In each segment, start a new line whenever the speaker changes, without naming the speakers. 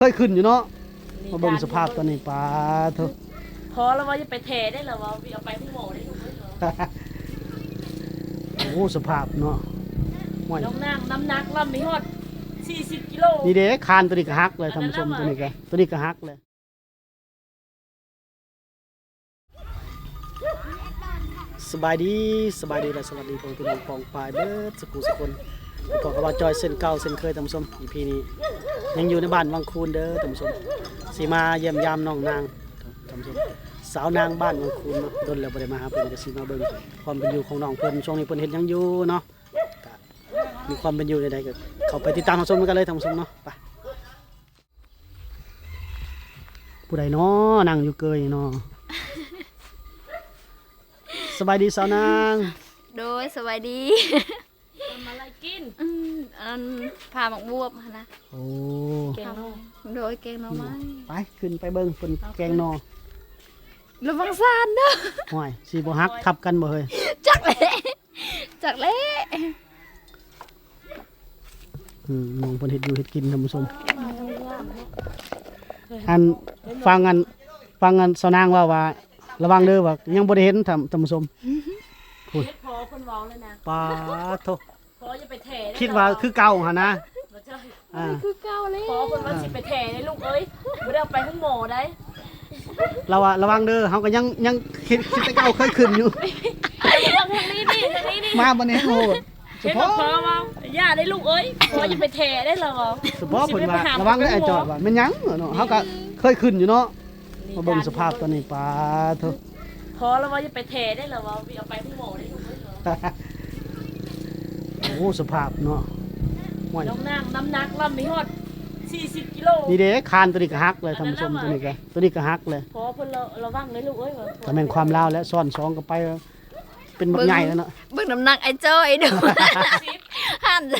เคยขึ้นอยู่เนาะมาเบิ่งสภาพตอนนี้ปลาเถอะ
พอแล้วว่าจะไปเทได้หรอวะเอาไปที่หมอได้ถูกไหมเหรอ
โอ้สภาพเนาะ
น้องนั่งน้ำหนักลำมีฮอด40 กิโล
นี่เด้คานตัวนี้ก็ฮักเลยท่านผู้ชมตัวนี้ก็ฮักเลยสบายดีและสวัสดีพี่น้องปองปลายเบิดสกุลสกุลขอกระบาจอยเส้นเก่าเส้นเคยท่านผู้ชมอีพีนี้ยังอยู่ในบ้านวังคูนเด้อท่านผู้ชมสีมาเยี่ยมยามน้องนางท่านผู้ชมสาวนางบ้านวังคูนเนาะโดนแล้วบ่ได้มาหาเพิ่นก็สิมาเบิ่งความเป็นอยู่ของน้องเพิ่นช่วงนี้เพิ่นเฮ็ดหยังอยู่เนาะมีความเป็นอยู่ใดๆก็เข้าไปติดตามรับชมกันเลยท่านผู้ชมเนาะไปผู้ใดเนาะนั่งอยู่เกยเนาะสบายดีสาวนาง
โดยสวัสดี
ทำอะไรกิน
พาหมกบวบนะ
โอ้
แกงนอ
โดยแกงหน่อไม้
ไปขึ้นไปเบิ่งเพิ่นแกงนอ
ระวังซานเด้อ
ห่วยสิบ่ฮักทับกันบ่เฮ้ย
จักเละ
น้องเพิ่นเฮ็ดอยู่เฮ็ดกินท่านผู้ชมอันฟังสาวนางว่าระวังเด้อว่ายังบ่ได้เห็นท่านผู้ชม
พูดพอเพิ่นเว้าเลยนะ
ปาโธ่
พอจะไปเทได้
คิดว่าคือเก่าหั่นนะ
บ่ใช่
คือเก่าเลย
พอเพิ่นว่าสิไปเทได้ลูกเอ้ยบ่ได้เอาไปห้องหมอได้
เราอะระวังเด้อเฮาก็ยังคิดแต่เก่าเคยขึ้นอยู่
ทางนี้นี่
มาบ่แน่โหด
เฉพาะพอว่าย่าได้ลูกเอ้ยพอจะไปเทได้เหรอ
เฉพาะเพิ่นว่าระวังได้ไอ้จอดว่าแม่นหยังเนาะเฮาก็เคยขึ้นอยู่เนาะมาเบิ่งสภาพตอนนี้ปลาเถอะ
พอแล้วว่าจะไปเทได้เหรอวะเอาไปที่หมอได้ถูกไหมเหร
อโอ้สภาพเนาะ
น้องนั่งน้ำหนักลำมีฮอด40 กิโล
นี่เด้คานตัวนี้ก็ฮักเลยท่านผู้ชมตัวนี้ก็ฮักเลย
พอเพิ่นระวังเลยลูกเอ้ย
ก็แม่นความลาวและซ้อน2ก็ไปเป็นบักใหญ่แล้วเนาะ
เบิ่งน้ำหนักไอ้จ้อยเด้อหั่น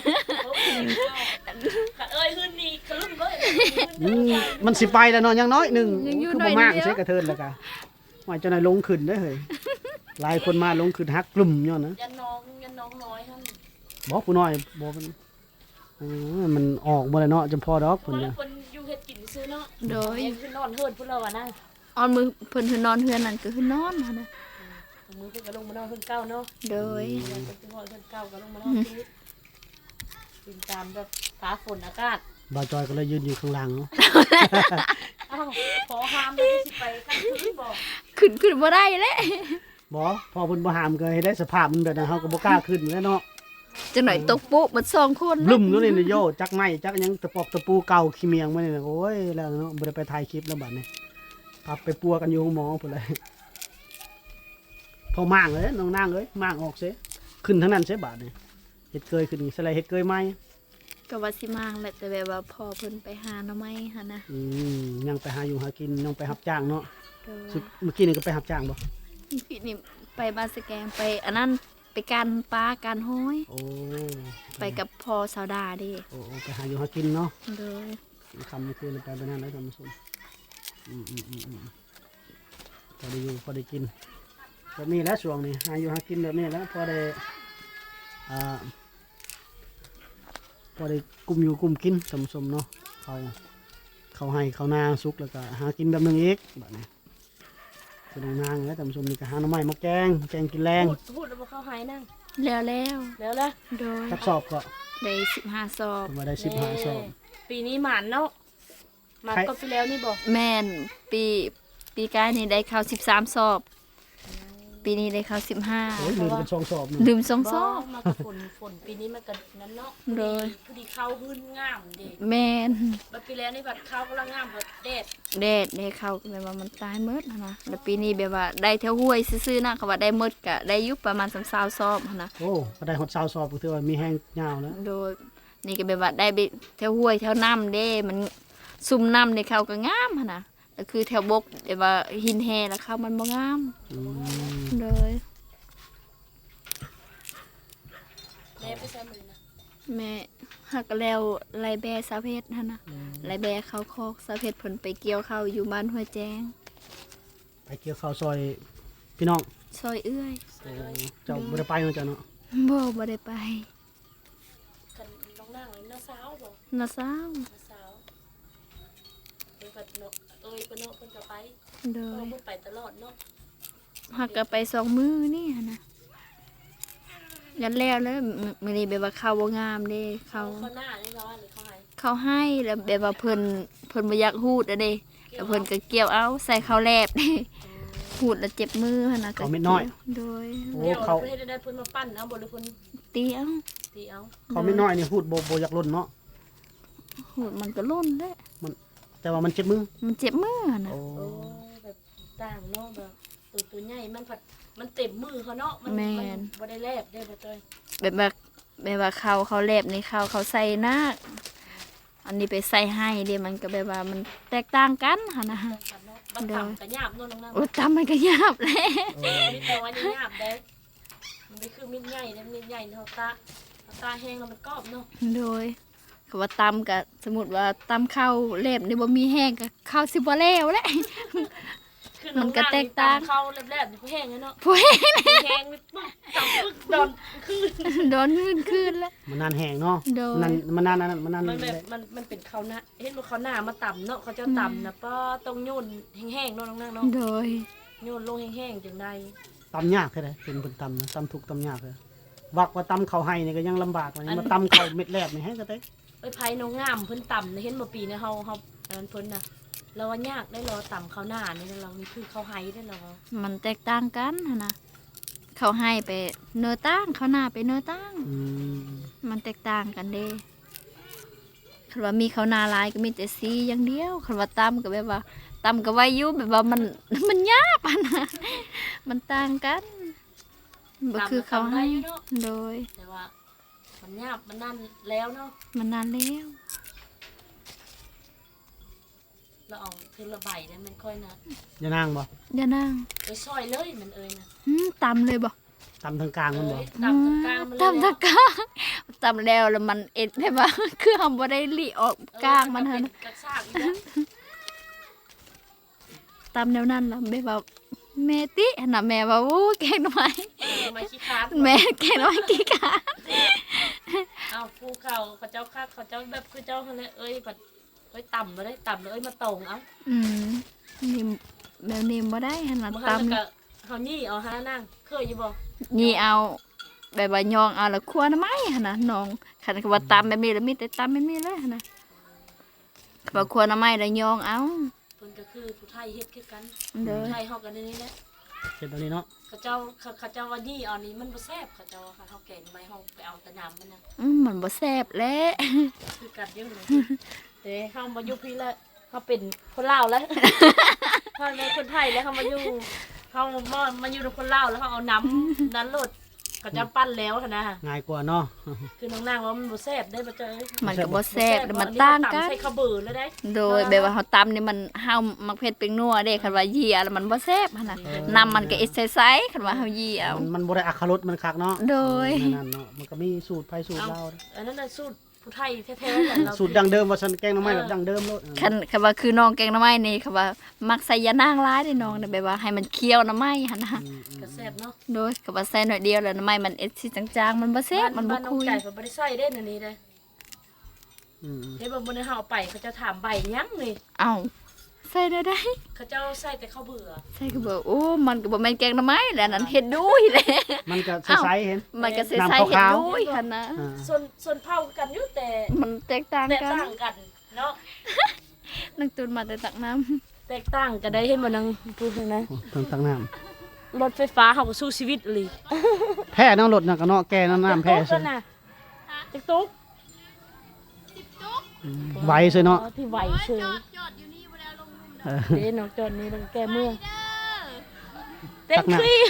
เอ้ยขึ้นนี่ครึ่งเลย
มันสิไปแล้วเนาะยังน้อยนึงคือบ่มากใช่กระเทินแล้วก็ว่าเจ้านายลงขึ้นได้เฮ้ยหลายคนมาลงขึ้นฮักกลุ่มย้อนนะ
ยันน้องน้อยหั่น
บ่ผู้น้อยบ่มันออกบ่ได้เนาะจำพอดอกเพิ่น
เนี่ยเพิ่นอยู่เฮ็ดกินซื้อเนาะ
โดย
คือนอนเฮือนพุ่นแล้วอ่ะนะ
ออนมือเพิ่นนอนเฮือนนั่นก็คือนอนหั่นน่ะ
มือเพิ่นก็ลงมานอนเฮือนเก่าเนาะ
โดย
เพิ่นสิฮอดเฮือนเก่าก็ลงมานอนที่ติดตามแบบฟ้าฝนอากาศ
บ่าวจอยก็เลยยืนอยู่ข้างล่างเนาะ
อ้าวขอห้ามเลยสิไปขั้นขึ้นบ่
ขึ้นบ่ได้แหละ
บ่พอเพิ่นบ่ห้ามก็ให้ได้สภาพมันแบบนั้นเฮาก็บ่กล้าขึ้นแล้วเนาะ
จังหน่อยตกปุ๊บมัน2คน
ลุ่มอยู่นี่โยจักไม้จักหยังตะปอกตะปูเก่าขี้เมียงมานี่โอ้ยแล้วเนาะบ่ได้ไปถ่ายคลิปแล้วบัดนี้พับไปปัวกันอยู่หมอพุ่นเลยพอม่างเลยน้องนางเอ้ยม่างออกเสิขึ้นทั้งนั้นเสิบาดนี่เฮ็ดเกยขึ้นนี่สไลด์เฮ็ดเกยใหม่
ก็ว่าสิมางแหละแต่แบบว่าพอเพิ่นไปหาหน่อไม้หั่นนะ
ยังไปหาอยู่หากินยังไปรับจ้างเนาะเมื่อกี้นี่ก็ไปรับจ้างบ่
พี่นี่ไปบ้านสแกงไปอันนั้นไปการปลาการห้อย
โอ้
ไปกับพ่อสาวดาดิ
โอ้ไปหาอยู่หากินเนาะ
โดย
คำนี้คือไปนั่นแล้วท่านผู้ชมพอได้อยู่พอได้กินแบบนี้แล้วช่วงนี้หาอยู่หากินแบบนี้แล้วพอได้พอได้กุมอยู่กุมกินท่านผู้ชมเนาะเขาให้เขานาสุกแล้วก็หากินแบบนึงอีกแบบนี้เป็นนางแล้วท่านผู้ชมนี่ก็หาหน่อไม้มาแกงกินแรง
พูดแล้วบ่เข้าหายนั่ง
แล้วโดย
สักสอบก็
ได้15สอบ
มาได้15สอบ
ปีนี้หมานเนาะหมานก็ไปแล้วนี่บอก
แม่นปีกายนี่ได้เข้า13สอบปีนี้ได้เข้า15
โอ้ยลืมเป็น2สอบ
ลืม2สอบ
มาฝนปีนี้มันก็นั้นเนาะ
โดย
พอดีเข้าหื้นงามดิ
แม่น
บัดปีแล้วนี่บัดเข้ากำลังงามบัดแดด
ได้เข้าแบบว่ามันตายหมดนะแล้วปีนี้แบบว่าได้แถวห้วยซื่อๆนะเขาว่าได้หมดก็ได้อยู่ประมาณ20สอบนะ
โอ้ก็ได้ฮอด20สอบก็ถือว่ามีแห้งยาวแล้ว
โดยนี่ก็แบบว่าได้แถวห้วยแถวน้ำเด้มันซุ่มน้ำได้เข้าก็งามนะก็คือแถวบกแบบว่าหินแห่แล้วเข้ามันบ่งามเลย
แม่ไปใส่มือนะ
แม่หักแล้วไรแบสาวเพชรนะไรแบเขาคอกสาวเพชรผลไปเกี่ยวข้าวอยู่บ้านห้วยแจ้ง
ไปเกี่ยวข้าวซอยพี่น้อง
ซอยเอื้อย
เจ้าบ่ได้ไปเนาะเจ้าเนาะ
บ่ได้ไป
น้องนั่งน้าสาวบ่
น้าสาว
พิ่นเนาะเพิ่นก็ไป
โด
เพิ่
ย
นไปตลอดเนาะ
หักก็ไป2 มื้อนี่หั่นน่ะยันแล้วมื้อนี้แบบว่าข้าวบ่งามเด้ข้าว
เขาหน้าได้ร้อนหรือเขาให้
ข้าวให้แล้วแบบว่าเพิ่นบ่อยากฮูดอะเด้แล้วเพิ่นก็เกี่ยวเอาใส่ข้าวแลบเด้ฮูดแล้วเจ็บมือหั่นน่ะ
เขาเม็ดน้อย
โดย
โอ้
เดี๋ยว
เขา
เพิ่นเฮ็ดได้เพิ่นมาปั้นเอาบ่หรือเพิ่น
ตีเอา
ตีเอา
เขาไม่น้อยนี่พูดโบอยากล้นเนาะ
ฮูดมันก็ล้นเด้
แต่ว่ามันเจ็บมือ
มันเจ็บมือหั่นน่ะ
โอ้
โอ้แบบต่างเนาะแบบตัวใหญ่มันผัดมันเต็มมือเขาเนาะมันบ่ได้แลบได้บ่จ้อย
แบบว่าเขาแลบนี่เขาใส่หน้าอันนี้ไปใส่ให้เด้มันก็แบบว่ามันแตกต่างกันหั่นน่ะ
กันเนาะบัดต่ำก็หยาบเนาะน้อง
โอ้ตำมันก็ยาบแหล้
มีแต่ว่านี่หยาบได้มันไม่คือมีดใหญ่นะมีดใหญ่เฮาตาแห้งแล้วมันกรอบเนาะ
โดยคำว่าตำกับสมมุติว่าตำข้าวแลบนี่บ่มีแห้งก็ข้าวสิบ่แล้วแหละ
คือน้องเข้าแลบๆแห้งเนาะ
ผู้แห้ง
แห้งปึ๊บจับปึ๊กโดนคือ
โดนคืนแล้ว
มันนานแห้งเนาะ
โดย
มันนานมันนาน
มันแบบมันเป็นข้าวหน้าเห็นว่าข้าวหน้ามาต่ำเนาะเขาจะต่ำนะป้าต้องโยนแห้งๆเนาะน้องนางเนาะ
โดย
โยนลงแห้งๆจังได
ตำยากแค่ไหนเป็นคนตำนะตำถูกตำยากเลยวักว่าตำเขาให้นี่ก็ยังลำบากกว่านี้มาตำเขาเม็ดแรกนี่ให้ก็ได้
ไอ้ไผน้องงามเพิ่นต่ำเห็นบ่ปีนี้เฮาอันนั้นเพิ่นน่ะเราว่ายากได้รอต่ำข้าวหน้านี่เรานี่คือข้าวไห้ได้เรา
มันแตกต่างกันหั่นนะเขาให้ไปเนื้อตั้งเขาหน้าไปเนื้อตั้ง
อืม
มันแตกต่างกันเด้คันว่ามีเขาวหนาหลายก็มีแต่สีอย่างเดียวคันว่าตำก็แบบว่าตำก็ไว้อยู่แบบว่ามันยากอะนะมันต่างกันบ่คือเขาให้โดย
แต่ว่ามันยากมันนั่นแล้วเนาะ
มันนานแล้ว
เราเอาคือระบายได้มันค่อยนะ
อย่านางบ่
เดี๋ยวนั่ง
ไปซอยเลยมันนะ
ตำเลยบ่
ตำทางกลางมันบ่
ต่ำตรงกลางมันเลย
ตำตะกร้างตำแล้วมันเอ็ดแบบว่า คือทำบ่ได้ลีออกกลางมันหั่น
กระชากอีกแล้ว
ตำแนวนั้นล่ะแบบว่าแม่ติหั่นน่ะแม่ว่าโอ้แกงหน่อไม้
มาขี้ค้าน
แม่แกงหน่อไม้กี่กา
เอาภูเขาเจ้าคักเขาเจ้าแบบคือเจ้าเขาเลยเอ้ยแบบเอ้ยต่ำมาได้ต่ำเลยมาตรงเอา
นี่แบบนี้บ่ได้หั่นน่ะ
มา
ตำ
แล้วก็เขานี่เอาหานั่งเคยอยู่บ่
นี่เอาแบบว่ายองเอาแล้วคั่วหน้ำไม้หั่นน่ะน้องคันว่าตำแบบนี้แล้วมีแต่ตำแบบนี้เลยหั่นน่ะว่าคั่วหน้ำไม้แล้วยองเอา
เพิ่นก็คือผู้ไทยเฮ็ดคือกัน
เด้อ
ผู้ไทยเฮากันนี่แหละ
เสร็จตอนนี้เนาะ
เขาเจ้าว่านี่เอานี้มันบ่แซ่บเขาเจ้าว่าเฮาแกงไม้เฮาไปเอาแต่น้ำมันน่ะ
มันบ่แซ่บแล้ว
คือกันอยู่เลยแต่เฮามาอยู่พี่แล้วเฮาเป็นคนลาวแล้วเฮาเป็นคนไทยแล้วเฮามาอยู่เฮามาอยู่กับคนลาวแล้วเฮาเอาน้ำนั้นโลดเขาจะปั้นแล้วหั่นนะ
ง่ายกว่าเนาะ
คือน้องนางว่ามันบ่แซ่บได้บ่เจ้ย
มันก็บ่แซ่บแล้วมันต่างกัน
ใส่ข้าวเบื่อแล้วได้
โดยแบบว่าเฮาตำนี่มันเฮามักเผ็ดเป็นนัวเด้คันว่ายีเอาแล้วมันบ่แซ่บหั่นน่ะน้ำมันก็เอ็ดใสๆคันว่าเฮายีเอา
มันบ่ได้อัครสมันคักเนาะ
โดย
นั่นเนาะมันก็มีสูตรไผสูตรเรา
อันนั้นน่ะสูตรผู้ไทยแท้ๆแหละเรา
สูตรดังเดิมว่าฉันแกงหน่อไม้แบบดังเดิมโลด
คันว่าคือน้องแกงหน่อไม้นี่คันว่ามักใส่ยานางหลายเด้น้องน่ะแบบว่าให้มันเคี้ยวหน่อไม้หั่นน่ะ
ก็แซ่บเนาะ
โดยคันว่าใส่หน่อยเดียวแล้วหน่อไม้มันเอ็ดสิจางๆมันบ่แซ่บมันบ่
บ้านน้อง
คุย
ไก่ก็บ่ได้ใส่เด้อันนี้เด้
อืม
เฮ็ดบ่บ่ได้เฮาเอาไปเขาจะถามใบยังนี่
เอ้าใส่ได้
เขาเจ้าใส่แต่ข้าวเบื่อ
ใส่ก็บอกโอ้มันก็บ่แม่นแกงหน่อไม้แหละนั่นเฮ็ดดุยแหละ
มันก็ใสๆเห็น
มันก็ใส่
น้ำ
ใส่เฮ็ด
ขาวๆ
ดุยหั่นนะ
อ่า
ส่วนเผากันอยู่แต่
มันแตกต่าง
แตก
กัน
ต่างกันเนาะ
นักตุนมาแต่ตักน้ำ
แตกต่างกันได้เห็นบ่นางพูดนะ
โอ้ต้องตักน้ำ
รถไฟฟ้าเฮาก็สู้ชีวิตอีหลี
แพ้น้ำรถน่ะก็เนาะแก่น้ำแพ้
จัก
ใช่
ตุ๊กน่ะจักตุ๊ก
ไวซื่อเนาะ
ที่ไหวเชื่อ
เออ
เด้น้องจอนนี่ลงแก้เมืองเต็
ตั
ม
กน้ำ
ที่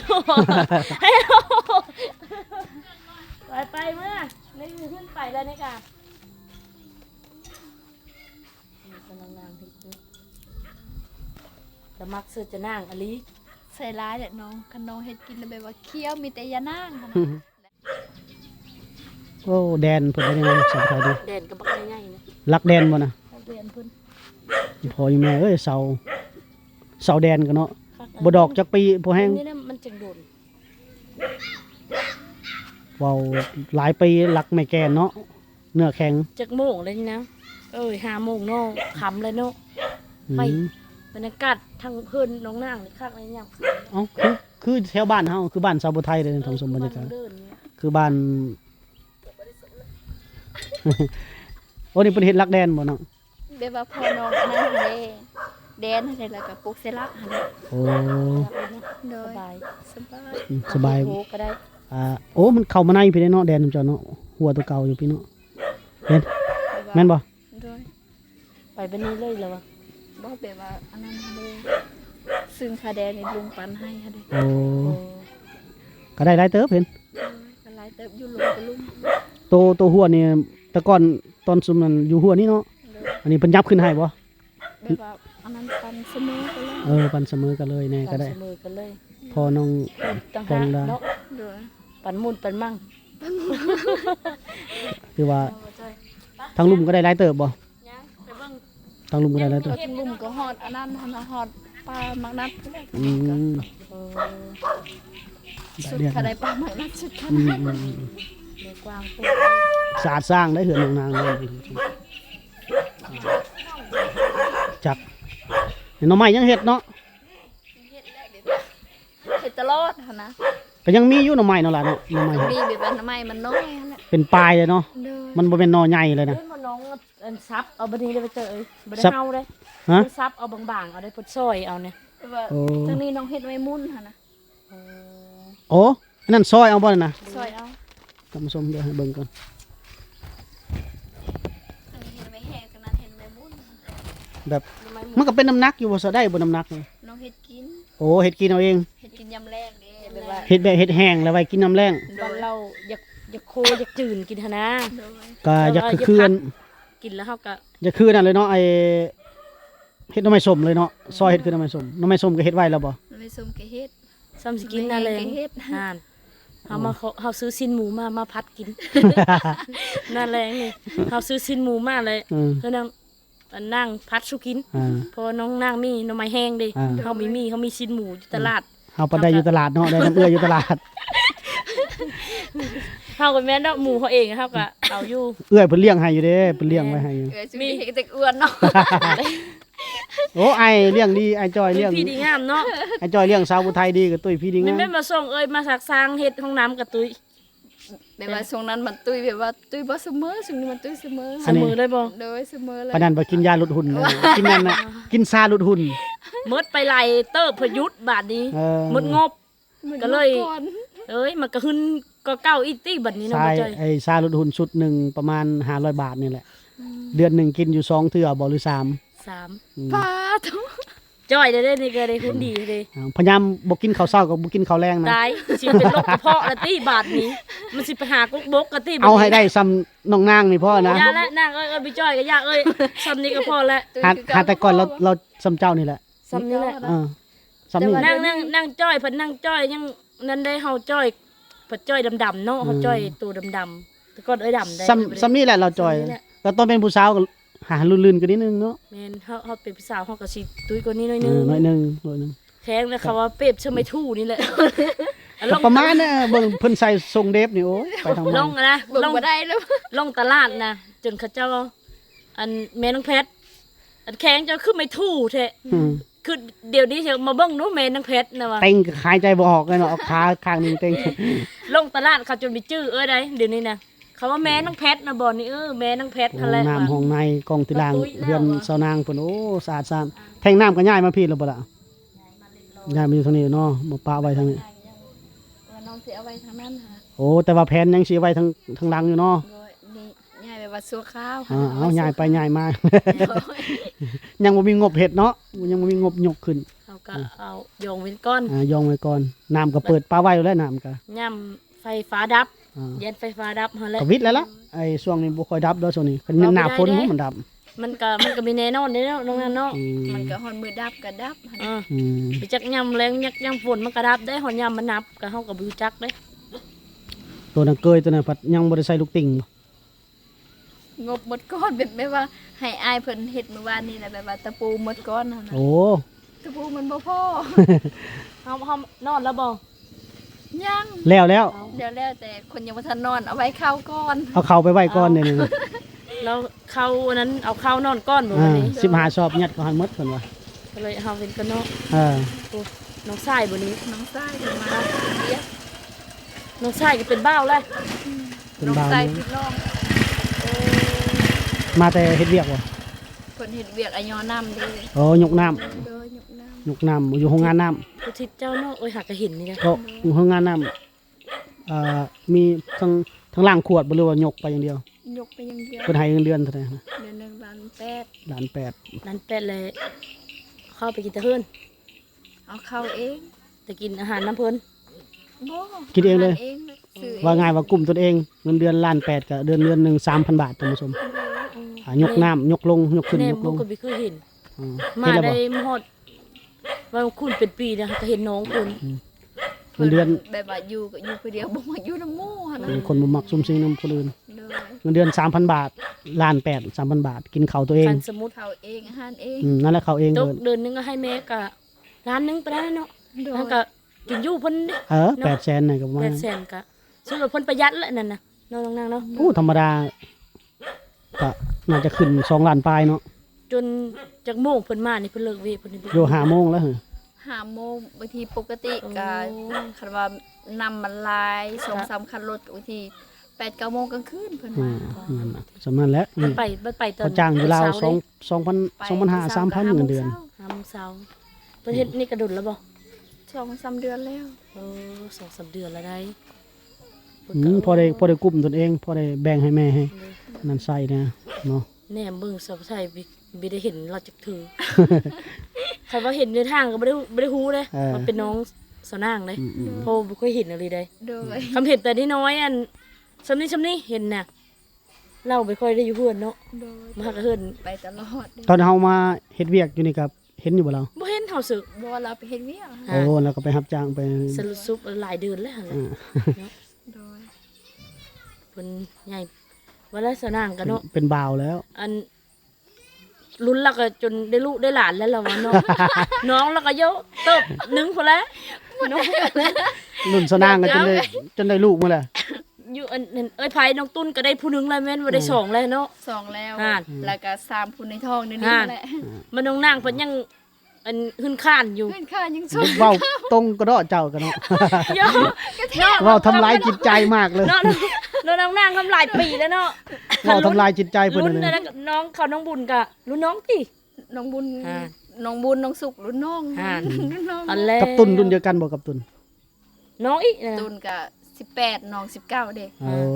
ไปเมื่อนี่ขึ้นไปแล้วนี่ค่ะนี่กำลังนางที่จะมักซื้อจะนั่งอลี
ใส่ร้ายแหละน้องคันน้องเฮ็ดกินแล้วแบบว่าเคี้ยวมีแต่ยานางหั่น
โอ้แดนเพิ่นได้ยังสบายดี
แดนกับบักง่ายๆนะ
รักแดนบ่น่ะ
เรียนเพิ่น
พออยู่แม่เอ้ยเสาแดนกันเนาะบ่ดอกจักปีบ่แห้ง
นี่นะมันจังโดน
เว้าหลายปีรักไม่แกนเนาะเนื้อแข็ง
จักโมงเลยนี่นะ5 โมงเนาะค่ำเลยเนาะ
อื
ไป
ม
บรรยากาศทางเพิ่นน้องนางนี่คักเลยยามคืน
เอ้าคือแถวบ้านเฮาคือบ้านชาวบ่ไทยเลยท่านผู้ชมบรรยากาศ
เดินเนี่ย
คือบ้าน โอ้นี่เป็นเฮ็ดลักแดนบ่เนาะ
แบบว่าพอน้องอันนั้นเด้แดนให้แล้วก็ปลูกเสละหั่นแหละ
โอ้
โด
ส
ย
บาย
สบาย
สบาย
โอ้ก็ได้
โอ้มันเข้ามาในพี่ได้เนาะแดนจอเนาะหัวตัวเก่าอยู่พี่เนาะเห็นแม่นบ่
โดย
ไปบัดนี้เลยแล้ววะ
บ่แบบว่าอันนั้นเลยซึ่งคาแดนนี่ลุงปันให้ค่ะเด้
โอ้
โอ้
ก็ได้หลายเติบเห็น
ก็หลายเติบอยู่ลุงก็ลุง
ตัวหัวนี่แต่ก่อนตอนซุมนั้นอยู่หัวนี่เนาะ
โดย
อันนี้เพิ่นยับขึ้นให้บ่
แบบว่าอันนั้นปันเสมอไปเลย
ปันเสมอกันเลยแน่ก็ได้
เสมอกันเลย
พอน้อง
ต่าง
ตร
หาก
งได้
เนาะ
โดย
ปันมุนปันมั่ง
คือว่าทางลุมก็ได้หลายเติบบ่
ยังไปเบิ่ง
ทางลุมก็ได้หลายเติบ
ก็ทั้งลุมก็ฮอดอันนั้นหั่นน่ะฮอดปลามักนัดก็ได้
อืม
เออ
สุด
เรียก
คาได้ปลามักนัดสุดค่ะ
เด็กกวางปุ๊บ
สะอาดสร้างได้เหือนนางๆเลยจักหน่อไม้ยังเฮ็ดเนาะ
เฮ็ดตลอดหั่นนะ
ก็ยังมีอยู่หน่อไม้เนาะล่ะเนาะหน่อไม้
มีแบบว่าทำไมมันน้อยหั่นแหละ
เป็นปลายเลยเนาะ
โดย
มันบ่เป็นหน่อใหญ่เลยนะ
เฮ้ยมาน้องอันซับเอาบัดนี้เลยไปเจอเอ้ยบ่ได้
ซับ
เฮาเด้
ฮะ
ซับเอาบางๆเอาได้พดซอยเอาเนี่ย
แบบว่า
โอ้
ทางนี้น้องเฮ็ดไว้มุ่นหั่นนะ
เออ
โอ้อันนั้นซอยเอาบ่นั่นนะ
ซอยเอา
ท่านผู้ชมเดี๋ยวให้เบิ่งก่อน
อันนี้เฮ็ดไว้แห้งตรงนั้นเฮ็ดไว้มุ่น
แบบ
ทำไมห
มันก็เป็นน้ำหนักอยู่บ่ซะได้บ่น้ำหนักนี่
น้องเฮ็ดกิน
โอ้เฮ็ดกินเอาเอง
เฮ็ดกินยำแรงเด้แบบว่า
เฮ็ดแบบเฮ็ดแห้งแล้วไว้กินน้ำแรง
บ้านเราอยากโคอยากจืนกินหนนะ
โดย
ก็อยากคืออัน
กินแล้วเฮาก็
อยากคือนั่นเลยเนาะไอ้เฮ็ดหน่อไม้ส้มเลยเนาะซอยเฮ็ดคือหน่อไม้ส้มหน่อไม้ส้มก็เฮ็ดไว้แล้วบ่
มันไปส้มกะเฮ็ด
ซ้ำสิกินนั่นเลย
ไม่ให้เฮ็ด
ห่านเฮาซื้อสิ้นหมูมาพัดกิน นั่นแหละนี่เฮาซื้อสิ้นหมูมาเลย
อืม
เพื่อนนั่งพัดสุกิน
อ่า
พอน้องนางมีหน่อไม้แห้งเดิ
อ่า
เขามีสิ้นหมูอยู่ตลาด
เฮาไปได้อยู่ตลาดเนาะได้น้ำเอื้ออยู่ตลาด
เขาก็แม่นดอกหมูเขาเองเขาก็เอาอยู่
เอื้อยเพิ่นเลี้ยงให้อยู่เด้เพิ่นเลี้ยงไว้ให้อยู่
เอ้ยสิมีเฮ็ดแต่อ้วนเนาะ
โอ้ไอ้เลี้ยงดีไอ้จอยเลี้ยง
พี่ดีงามเนาะ
ไอ้จอยเลี้ยงสาวผู้ไทยดีกับตุ้ยพี่ดี
มัน
งาม
ไม่มาส่งเอ้ยมาสักสร้างเฮ็ดห้องน้ำกับตุ้ย
แบบว่าช่วงนั้นมันตุ้ยแบบว่าตุ้ยบ่เสมอช่วงนี้มันตุ้ยเสมอ
เสมอเลยบ่
โดยเสมอเลย
ปานนั้นบ่กินยาลดหุ่นเลยกินนั่นน่ะกินซาลดหุ่น
มดไปไล่เติบพยุทธบาทนี้
เออ
มดงบ
มัน
ก็เลย
ก่อน
เอ้ยมันก็ขึ้นก็เก้าอีตี้บัดนี้เนาะ
ใช่
บ่จ้อย
ไอ้ซาลดหุ่นชุดหนึ่งประมาณ500 บาทนี่แหละ เดือนหนึ่งกินอยู่2เทื่อบ่หรือ3
สาม
อืม
ปาทุ
จ้อยได้นี่ก็ได้คุณดีเด้
พยายามบ่กินข้าวเช้ากับบ่กินข้าวแรงนะ
ตายสิเป็นโรคกระเพาะละตี้บาทนี้ มันสิไปหากุ๊กบกกะตี้บัดนี้
เอาให้ได้ซ้ำน้องนางนี่พ่อนะ
ยาและนางเอ้ยไปจ้อยก็ยาเอ้ยซ้ำนี้ก็พอแล้ว
ตุ้ย
หา
คือ
หาแต่ก่อนเราซ้ำเจ้านี่แหละ
ซ้ำนี้แหละ
เออซ้ำนี่
นั่งจ้อยเพิ่นนั่งจ้อยยังนั่นได้เฮาจ้อยเพิ่นจ้อยดำๆเนาะเฮาจ้อยตัวดำๆแต่ก่อนเอ้ยดำได้
ซ้ำนี่แหละเราจอย
ซ้ำนี่แหละ
ก็ตอนเป็นผู้สาวก็หาลื่นๆกันนิดนึงเนาะ
แม่นเฮาเป็นพี่สาวเฮาก็สิตุ้ยกว่านี้หน่อย
เอ
นึง
อหน่อยหนึงหน่อยหนึง
แข็งเลยค่ะว่าเปรียบเชไม่ทู่นี่แหละ
ก็ประมาณน่ะเบิ่งเพิ่นใส่ทรงเดฟนี่โอ้ยไปทาง
ล
นั้น
งอะนะ
เบิ่ง
ลง
บ่ได้แล้ว
ลงตลาดนะจนเขาเจ้าอันแม่น้องเพชรอันแข็งเจ้าคือไม่ทู่แท้
อืม
คือเดี๋ยวนี้เชียวมาเบิ่งหนูแม่น้องเพชรนะว่า
เต็งก็หายใจบ่ออกเลยเนาะเอาขาข้างหนึงเต็ง
ลงตลาดเขาจนมีชื่อได้เดี๋ยวนี้นะเขาว่าแม่น้องเพชรนะบ่นี่แม่น้องเพชร
ห้
อะ
อง
ไร
น้ำห้องในกองติลาง
ประตูอีกแล้ว
เรือน
เหรอ
เสานางเพิ่นโอ้สะอาดซ่านแทงน้ำก็ย้ายมาพี่แล้วบ่ล่ะย้ายมาอยู่ทางนี้เนาะมาปะไว้ทางนี้
ว่าน้องสิเอาไว้ทางนั้นค่ะ
โอ้แต่ว่าแผนยังสิไว้ทางหลังอยู่เนาะ
โดยนี่ย้ายไปว่าสัวข้าว
เอาย้ายไปย้ายมา ยังบ่มีงบเฮ็ดเนาะยังบ่มีงบยกขึ้น
เขาก็เอาโยงเว้นก้อน
ยองไว้ก่อนน้ำก็เปิดปลาไว้อยู่แล้วน้ำก็
ย่ำไฟฟ้าดับ
อ่า
เย็นไฟฟ้าดับหั่นแหละ
ก็วิทย์แล้วล่ะไอ้ช่วงนี้บ่ค่อยดับเด้อช่วงนี้คันหน้าฝนมันดับ
มันก็มีแน่นอนเด้เนาะน้องนั่นเนาะ
อืม
มันก็ฮอนมือดับก็ดับหั่น
อ่า
อืม
ไปจักยำแรงยักยำฝนมันก็ดับได้หอนยำมันนับก็เฮาก็บ่รู้จักเด้
ตัวนั้นเกยตัวนั้นพัดยังบ่ได้ใส่ลูกติ่งบ่
งบหมดก้อนแบบว่าให้อายเพิ่นเฮ็ดเมื่อวานนี้แหละแบบว่าตะปูหมดก้อนหั่นน่ะ
โอ้
ตะปูมันบ่พอ
เฮานอนแล้วบ่
ยัง
แล้ว
เดี๋ยวแล้วแต่คนยังบ่ทันนอนเอาไว้เข้าก่อน
เอาเข้าไปไว้ก่อนเดี๋ยวนี้
แล้วเข้าอันนั้นเอาเข้านอนก้อนบ่วันนี้
15ชอบยัดเข้าหันหมดเพิ่นว่า
ก็เลยเฮาเป็นกันเนาะ
เออ
โอ้น้องชายบ่นี้
น้องชายเพิ่นมาเรียก
น้องชายก็เป็นบ้าวแล้ว
เป็น
น้อง
บ่าว
ชาย
นี่
พี่น้อง
มาแต่เฮ็ดเวียกบ่
เพิ่นเฮ็ดเวียกอะยอน้ำเด้
โอ้ยกน้ำ
โดยยกน้ำ
ยกน้ำอยู่โรงงานน้ำ
ผู้ทิศเจ้าเนาะหากก็เห็นนี่นะ
ก็อยู่โรงงานน้ำมีทั้งล่างขวดบ่หรือว่ายกไปอย่างเดียวย
กไปอย่างเดียว
เพิ่นให้เงินเดือนเท่าไหร่นะ
เดือนหนึง1,800,000
ล้านแปด
นั่นเป็ดเลยเข้าไปกินแตะเพิ่น
เอาเข้าเอง
แต่กินอาหารน้ำเพิ่น
บ่
คิดเองเลย
เองซื้อเอง
ว่าง่ายว่ากลุ่มตนเองเงินเดือนล้านแปดกับเดือนหนึ่ง3,000 บาทท่านผู้ชมยกน้ำยกลงยกขึ้น
แน่
ยกล
บ่
ง
ก็บ่เคยเห็น
อืม
มา
เห็นแล้ว
ได้
บ่
มาฮอดว่าคุณเป็นปีนะก็เห็นน้องคุณ
เงินเดือน
แบบว่าอยู่ก็อยู่คนเดียวบ่มาอยู่นำหมู่หั่นน่ะ
เป็นคนบ่มักซุ่มซิงนำคนอื่น
โดย
เงินเดือน 3,000 บาทล้านแปด3,000 บาท กินข้าวตัวเอง
คันสมมุติ
เข้าเองอาหารเอง
นั่นแหละเขาเอง
ต
เล
ก
ย
เดือนหนึงก็ให้แม่ก็ล้านหนึงไปแล้วเนาะ
โดย
แล้วก็กินอยู่เพิ่นเด้
800,000น่ะก็ประมาณ
800,000ก็ซื้อรถเพิ่นประหยัดแล้วนั่นน่ะน้องนางเนาะ
โอ้ธรรมดาก็น่าจะขึ้น2ล้านปลายเนาะ
จนจากโมงเพิ่นมานี่เพิ่นเลิกเวทเพิ่นนี่
อยู่5โมงแล้วเหรอ
5 โมงบางทีปกติก็คันว่านำมันหลาย 2-3 คันรถบางที 8-9 โมงกลางคืนเพิ่น
อื
มา
มนั่นน่ะสำนั้นแหละ
มันไปตอน
เขาจ้างอยู่ลาว
เช้
2,500 3,000เงินเดือน
ห้าโมงเช้าเพิ่นเฮ็ดนี่กระดุนแล้วบ่
2-3 เดือนแล้ว
2-3 เดือนแล้วได้
พอได้กลุ่มตนเองพอได้แบ่งให้แม่ให้นั่นใส่นะเนาะ
แหนมเบิ่งสาวไทยบ่ได้เห็นเราจักถือ ใครว่าเห็นในทางก็บ่ได้ฮู้เด้มันเป็นน้องสาวนางเลยเพราะบ่เคยเห็นอะไรใด
โดย
คำเห็นแต่น้อยๆอันซำนี้เห็นน่ะเราไม่ค่อยได้อยู่เฮือนเนาะ
โดย
มาหาก็เฮือน
ไปตลอด
ตอนเฮามาเฮ็ดเวียกอยู่นี่ครับเห็นอยู่บ่เรา
บ่เห็นเฮาสึก
บ่ว่าเราไปเฮ็ดเวียก
โอ้แล้วก็ไปรับจ้างไป
สรุปซุปหลายเดือนแล้วหั่นแหละ
โดย
เพิ่นใหญ่ว่าแล้วสาวนางก็เนาะ
เป็นบ่าวแล้ว
อันลุ้นแล้วก็จนได้ลูกได้หลานแล้วเราวะเนาะ น้องแล้วก็เยอะเติบหนึงพอแล้วน้อง
รุ่นสนางก็จนได้ลูกมาแล้ว
อยู่อันเอ้ยไผน้องตุ้นก็ได้ผู้หนึงแล้วแม่นว่าได้สองแล้วเนาะ
2แล้ว
อ่า
แล้วก็3ผู้ในท้องนี่
อ่า
แหละ
มันน้องนางเพิ่นยังอันหึ้นข้านอยู่
เพื่อนข้ายังสด
เว้าตรงกระเดาะเจ้ากันเนาะ
เยอะเนาะ
เว้าทำลายจิตใจมากเลย
เนาะน้องนางทำหลายปีแล้วเนาะ
เว้าทำลายจิตใจเพิ่น
รุ่น
เลย
นั้นน้องเขาน้องบุญกะรุ่นน้องติ
น้องบุญ
อ่า
น้องบุญน้องสุกรุ่นน้อง
อ่า
รุ่นน้อง
อันแรก
กับตุนรุ่นเดียวกันบ่กับตุน
น้องอีกนะ
ตุนก็18น้อง19เด้
เออ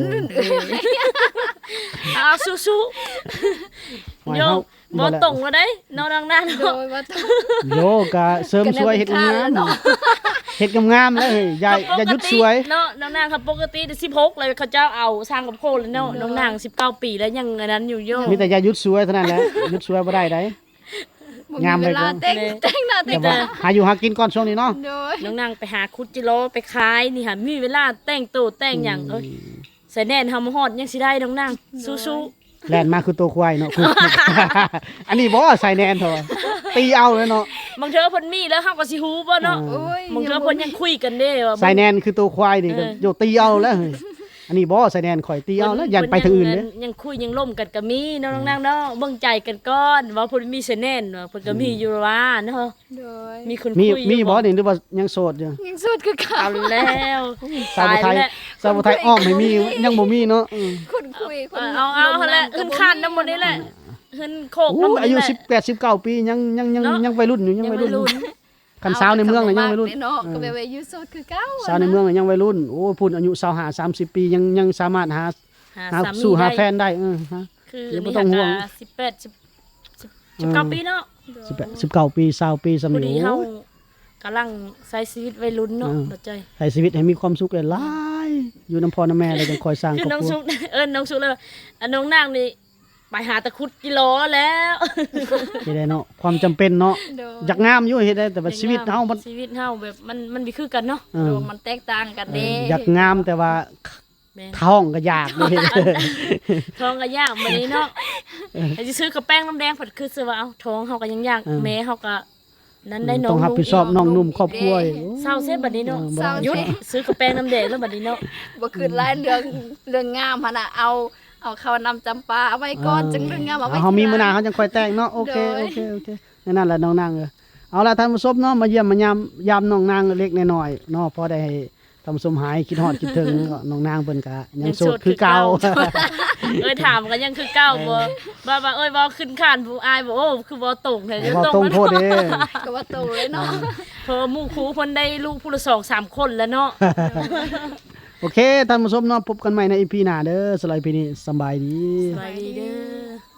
เอาสู้
หมาย
ๆโย
เฮา
บ่
แหละ
ตรงแล้วได้น้องนาง
โด
เนาะ
ยว่าต้อง
โยก็เสริมสวยเฮ็ดงามเฮ็ดงามๆแล้วเฮ้ยอย่าหยุดสวย
เนาะน้องนางครับปกติ16เลยเขาเจ้าเอาสร้างกับโคเลยเนาะน้องนาง19ปีแล้วยังอันนั้นอยู่โย
มีแต่อย่าหยุดสวยเท่านั้นแหละหยุดสวยบ่ได้ได้
บ่
งาม
มี
เล
เวย ลา
ก็
แต่งหน้าแต่
แต่
ง
ว่า
ตา
หาอยู่หากินก่อนช่วงนี้เนาะ
โดย
น้องนางไปหาคุดจิโร่ไปขายนี่ค่ะมีเวลาแต่งตัวแต่งหยังเอ้ยใส่แน่นเฮามาฮอดยังสิได้น้องนางสู้ๆ
แล่นมาคือตัวควายเนาะ อันนี้บ่ใส่แนนเถอะตีเอาเลยเนาะ
บางเทื่อเพิ่นมีแล้วเฮาก็สิฮู้บ่เนาะ
โอ้ย
บางเทื่อเพิ่นยังคุยกันเด้ว่า
ใส่แนนคือตัวควายนี่ก็
เออ
โยตีเอาแล้วเฮ้ยอันนี้บ่ใส่แนนข่อยตีเอาแล้วยันไปทางอื่นเด้อ
ยังคุยยังล่มกันก็มีเนาะน้องนางเนาะเบิ่งใจกันก่อนว่าเพิ่นมีเสน่ห์ว่าเพิ่นก็มีอยู่ว่าเนาะ
โดย
มีคน
มี
คุยอยู่
มีบ่นี่หรือว่ายังโสดอยู่
ยังสุดคือเขา
เอาแล้ว
สาว
ตาย
ไทย
แล้ว
สาวไทยอ้อมไม่มียังบ่มีเนาะ
คนคุยคน
เอาหั่นแหละขึ้นคันนำหมดนี่แหละขึ้นโคก
โอ้
นำหมด
อายุ
นี่แหละ
18 19ปียังวัยรุ่นอยู่ยังวัยรุ่นอยู่
ยังวัยรุ่น
คันสาวในเมืองน่ะยังวัยรุ่น
เนาะก็แบบว่าอยู่สุดคือเก่า
สาวในเมืองน่ะยังวัยรุ่นโอ้พุ่นอายุ25 30ปียังสามารถหา
หาสามี
สู่หา
ได้
แฟนได้ฮะ
คือ
เดี๋ยวบ่
นี่
ต้องห่วง
19ปีเนาะ
19ปี20ปีสำ
พอ
นี
ดี
โอ้
เฮาย กำลังใช้ชีวิตวัยรุ่นเนาะเข้าใจ
ใช้ชีวิตให้มีความสุขหลายๆอยู่น้ำพ่อน้ำแม่เลยจังคอยสร้างค
คื
ร
อ
อบ
น้อง
ครั
สุ
ว
ก น้องสุกเลยอันน้องนางนี่ไปหาตะครุดกิโลแล้ว
เฮ็ดได้เนาะความจำเป็นเนาะ
โดย
อยากงามอยู่เฮ็ดได้แต่ว่าชีวิตเฮามัน
ชีวิตเฮาแบบมันมีคือกันเนาะ
เอ
โด
อย
มันแตกต่างกันเด้
อยากงามแต่ว่า
แม่น
ท้องก็อยากเลย
ท้องก็ยากบัดนี้เนาะไอ้สิซื้อกระแป้งน้ำแดงผัดคือสิว่าเอาท้องเฮาก็ยังยากแม่เฮาก็นั้นได้น้อง
ต้องรับผิดชอบน้องนุ่มครอบครัวอีก
เศร้าเสียบัดนี้เนาะ
บ่ได้
หยุดซื้อกระแป้งน้ำแดงแล้วบัดนี้เนาะ
บ่คืนหลายเรื่องงามหั่นน่ะเอาเข้านำจำปาเอาไว้ก่อนจังเรื่องงามเอาไว้
เฮามีมื้อหน้า
ทีหลัง
เฮาจังค่อยแต่งเนาะโอเค
โดย
โอเคนั่นแหละน้องนางเอาละท่านผู้ชมเนาะมาเยี่ยมมายามน้องนางเล็กน้อยๆเนาะพอได้ให้ท่านผู้ชมหายคิดฮอดคิดถึงน้องนางเพิ่นก็ยังโสดคือเก่า
ถามกันยังคือเก้าบ่ว่าเอ้ยบ่ขึ้นคานผู้อายบ่โอ้คือบ่ตรงแท้
บ่ตรงโพดเด้
ก็ว่าโตเลยเนาะ
เพอหมู่ครูเพิ่นได้ลูกผู้ละ2-3 คนแล้วเนาะ
โอเคท่านผู้ชมเนาะพบกันใหม่ใน EP หน้าเด้อสำหรับ EP นี้สำบายดี
สบายดีเด้อ